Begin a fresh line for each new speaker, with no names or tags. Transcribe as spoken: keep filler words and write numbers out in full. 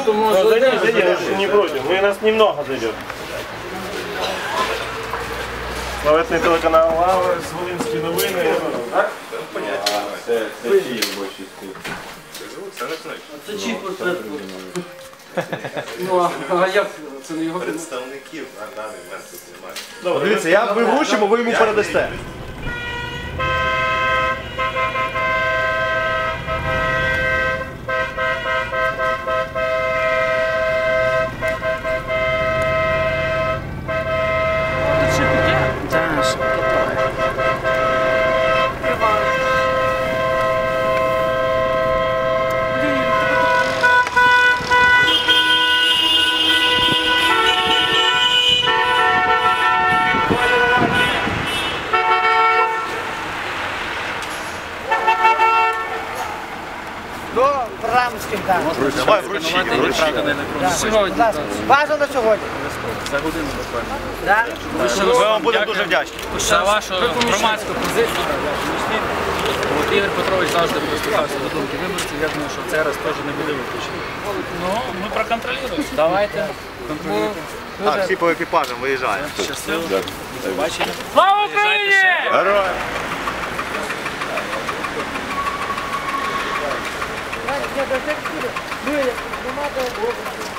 то может...
Ну, зайди, зайди, мы не против. Мы нас немного зайдет. Славетний телеканал Лава, Волинські новини. Так?
Понятно. Це чиї більшості?
Це чий портрет? Ну, а як? Це не його?
Представників на даний момент тут немає.
Добре,
Дивіться, я ви вручимо, ви йому передасте.
До Рамських, так.
Давай, вручіть, вручіть.
Сьогодні.
Бажано сьогодні.
За годину буквально.
Так?
Ми вам будемо дуже вдячні.
За вашу громадську позицію. От Ігор Петрович завжди прислухався до думки виборців. Я думаю, що цей раз теж не буде виключено. Ну, ми проконтролюємо. Давайте. Контролюйте.
Так, всі по екіпажам виїжджаємо.
Щасливо. До побачення. Слава Україні!
Героям!
Я до тих, ну, я, нема до